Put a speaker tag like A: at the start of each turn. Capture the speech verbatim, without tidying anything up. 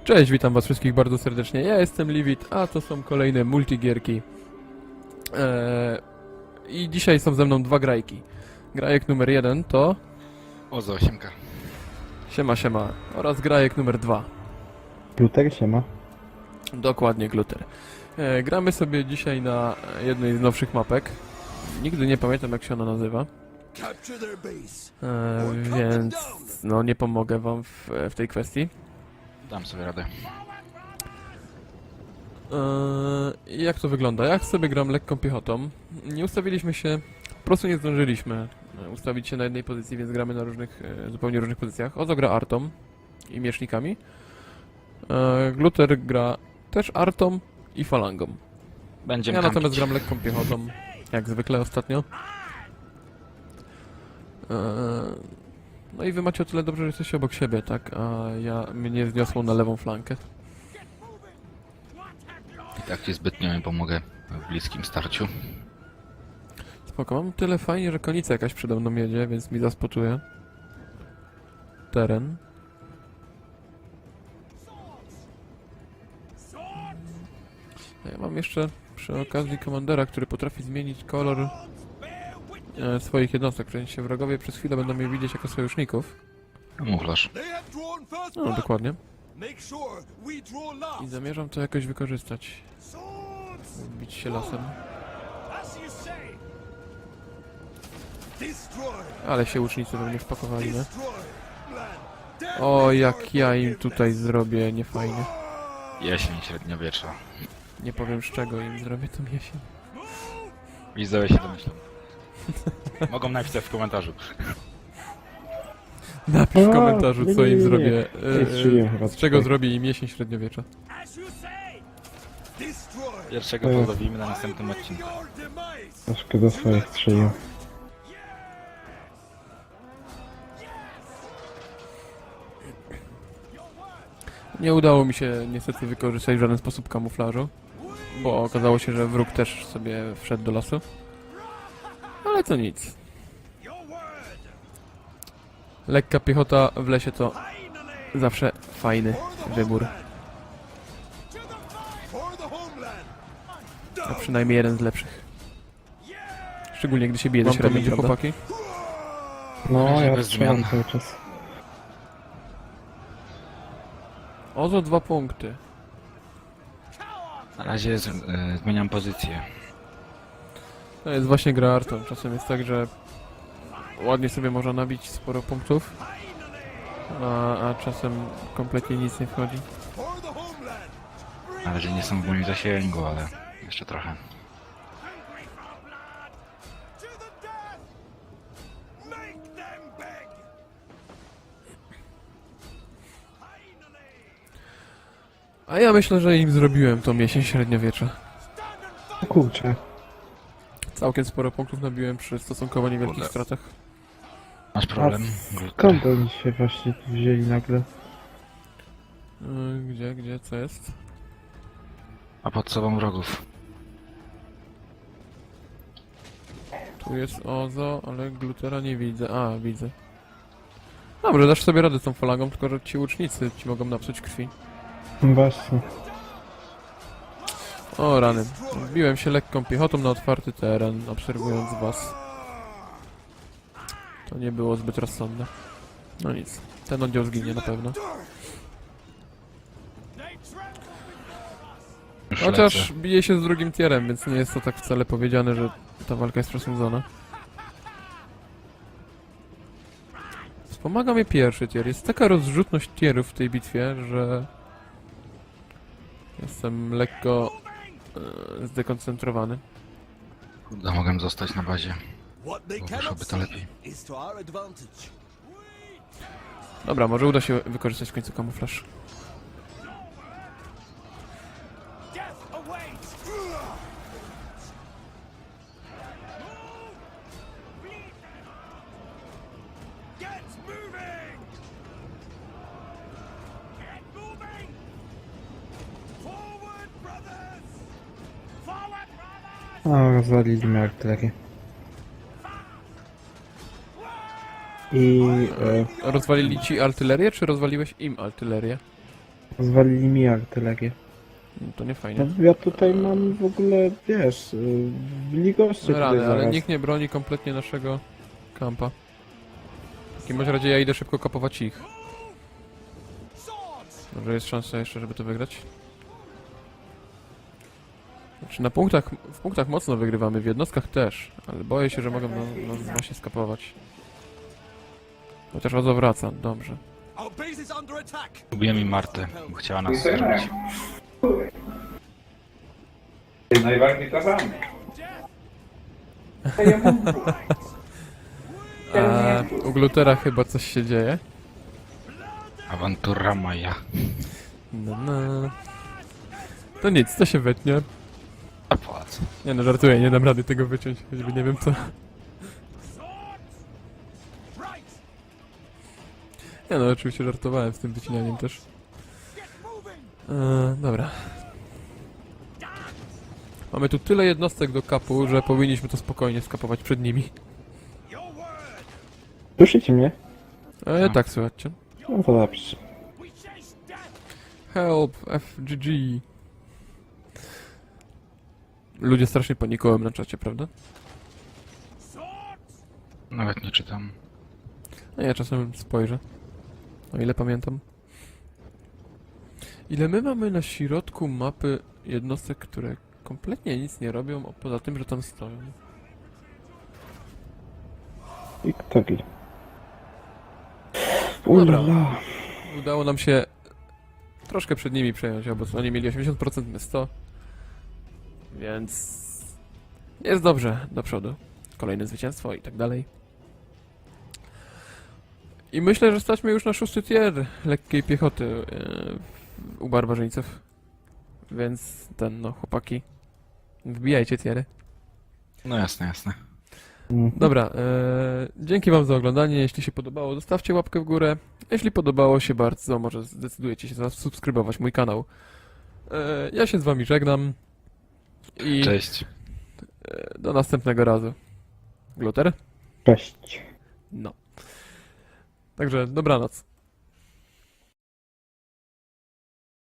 A: Cześć, witam was wszystkich bardzo serdecznie. Ja jestem Livit, a to są kolejne multigierki. Eee, I dzisiaj są ze mną dwa grajki. Grajek numer jeden to...
B: Ozo, osiemka.
A: Siema, siema. Oraz grajek numer dwa.
C: Gluter siema.
A: Dokładnie, Gluter. Eee, gramy sobie dzisiaj na jednej z nowszych mapek. Nigdy nie pamiętam, jak się ona nazywa. Eee, więc no nie pomogę wam w, w tej kwestii.
B: Dam sobie radę.
A: Eee, jak to wygląda? Jak sobie gram lekką piechotą? Nie ustawiliśmy się, po prostu nie zdążyliśmy e, ustawić się na jednej pozycji, więc gramy na różnych, e, zupełnie różnych pozycjach. Ozo gra artą i miecznikami. Eee, Gluter gra też artą i falangą.
B: Będziemy
A: Ja natomiast
B: kampić.
A: gram lekką piechotą, jak zwykle ostatnio. Eee, no i wy macie o tyle dobrze, że jesteście obok siebie, tak? A ja mnie zniosło na lewą flankę.
B: I tak ci zbytnio nie pomogę w bliskim starciu.
A: Spoko, mam tyle fajnie, że konica jakaś przede mną jedzie, więc mi zaspotuje teren. A ja mam jeszcze przy okazji komandera, który potrafi zmienić kolor e, swoich jednostek. W sensie wrogowie przez chwilę będą mnie widzieć jako sojuszników.
B: Kamuflaż.
A: No, dokładnie. I zamierzam to jakoś wykorzystać. Bić się lasem. Ale się łucznicy we mnie wpakowali, nie? O, jak ja im tutaj zrobię, niefajnie.
B: Jesień średniowiecza.
A: Nie powiem z czego im zrobię tą jesień.
B: Widzowie się domyślą. Mogą napisać w komentarzu.
A: Napisz w
C: O,
A: komentarzu,
C: nie,
A: co
C: nie,
A: im
C: nie, nie.
A: zrobię.
C: Nie strzeliłem
A: e,
C: chyba
A: z czego
C: tutaj.
A: zrobię im jesień średniowiecza.
B: Pierwszego
C: To jest-
B: pozdrowimy na następnym odcinku.
C: Troszkę do swoich strzelił.
A: Nie udało mi się niestety wykorzystać w żaden sposób kamuflażu, bo okazało się, że wróg też sobie wszedł do lasu. Ale to nic. Lekka piechota w lesie to zawsze fajny wybór. A przynajmniej jeden z lepszych. Szczególnie gdy się bije do
B: Mam to
A: średniej,
B: mieć, prawda?
A: chłopaki.
C: No,
B: Razie
C: ja
B: bez
C: strzelam
B: zmian.
C: cały czas.
A: Ozo dwa punkty.
B: Na razie z, e, zmieniam pozycję.
A: To jest właśnie gra artą. Czasem jest tak, że ładnie sobie można nabić sporo punktów, a, a czasem kompletnie nic nie wchodzi.
B: Na razie nie są w moim zasięgu, ale jeszcze trochę.
A: A ja myślę, że im zrobiłem tą jesień średniowiecza.
C: O kurczę.
A: Całkiem sporo punktów nabiłem przy stosunkowo niewielkich
B: Kurde.
A: stratach.
B: Masz problem?
C: Skąd oni się właśnie tu wzięli nagle?
A: Yy, Gdzie, gdzie, co jest?
B: A pod sobą wrogów.
A: Tu jest Ozo, ale Glutera nie widzę. A, widzę. Dobrze, dasz sobie radę z tą falangą, tylko że ci łucznicy ci mogą napsuć krwi.
C: No właśnie.
A: O rany. Wbiłem się lekką piechotą na otwarty teren, obserwując was. To nie było zbyt rozsądne. No nic. Ten oddział zginie na pewno.
B: Już
A: Chociaż
B: lecę.
A: bije się z drugim tierem, więc nie jest to tak wcale powiedziane, że ta walka jest przesądzona. Wspomaga mnie pierwszy tier. Jest taka rozrzutność tierów w tej bitwie, że jestem lekko e, zdekoncentrowany.
B: Kurde, mogłem zostać na bazie. Wyszłoby to lepiej.
A: Dobra, może uda się wykorzystać w końcu kamuflaż.
C: No, rozwalili mi artylerię. I... E,
A: Rozwalili ci artylerię, czy rozwaliłeś im artylerię?
C: Zwalili mi artylerię.
A: No, to nie fajnie.
C: No, ja tutaj mam w ogóle, wiesz, yy, byli goście
A: No rany,
C: tutaj
A: ale
C: zaraz.
A: nikt nie broni kompletnie naszego kampa. W takim bądź razie ja idę szybko kapować ich. Może jest szansa jeszcze, żeby to wygrać? Znaczy na punktach, w punktach mocno wygrywamy, w jednostkach też, ale boję się, że mogą nas, nas właśnie skapować. Chociaż Ozo wraca, dobrze.
B: Lubię mi Martę, bo chciała nas zrobić.
D: Najbardziej to samo.
A: A u Glutera chyba coś się dzieje.
B: Awantura Maja.
A: No, no. To nic, to się wytnie.
B: A po co?
A: Nie no, żartuję, nie dam rady tego wyciąć, choćby nie wiem co. Nie no, oczywiście żartowałem z tym wycinaniem też. Eee, dobra. Mamy tu tyle jednostek do kapu, że powinniśmy to spokojnie skapować przed nimi.
C: Słyszycie mnie?
A: Eee,
B: No.
A: tak, słuchajcie.
C: No to dobrze.
A: Help, F G G. Ludzie strasznie panikują na czacie, prawda?
B: Nawet nie czytam.
A: No ja czasem spojrzę. O ile pamiętam. Ile my mamy na środku mapy jednostek, które kompletnie nic nie robią, o- poza tym, że tam stoją.
C: I kto wie?
A: Dobra.
C: Ulala.
A: Udało nam się troszkę przed nimi przejąć, bo oni mieli osiemdziesiąt procent, my sto. Więc jest dobrze do przodu. Kolejne zwycięstwo i tak dalej. I myślę, że stać mnie już na szósty tier lekkiej piechoty yy, u barbarzyńców. Więc ten, no chłopaki, wbijajcie tiery.
B: No jasne, jasne.
C: Mhm.
A: Dobra, e, dzięki wam za oglądanie. Jeśli się podobało, zostawcie łapkę w górę. Jeśli podobało się bardzo, może zdecydujecie się zasubskrybować mój kanał. E, ja się z wami żegnam. I
B: Cześć.
A: e, do następnego razu. Gluter?
C: Cześć.
A: No. Także dobranoc.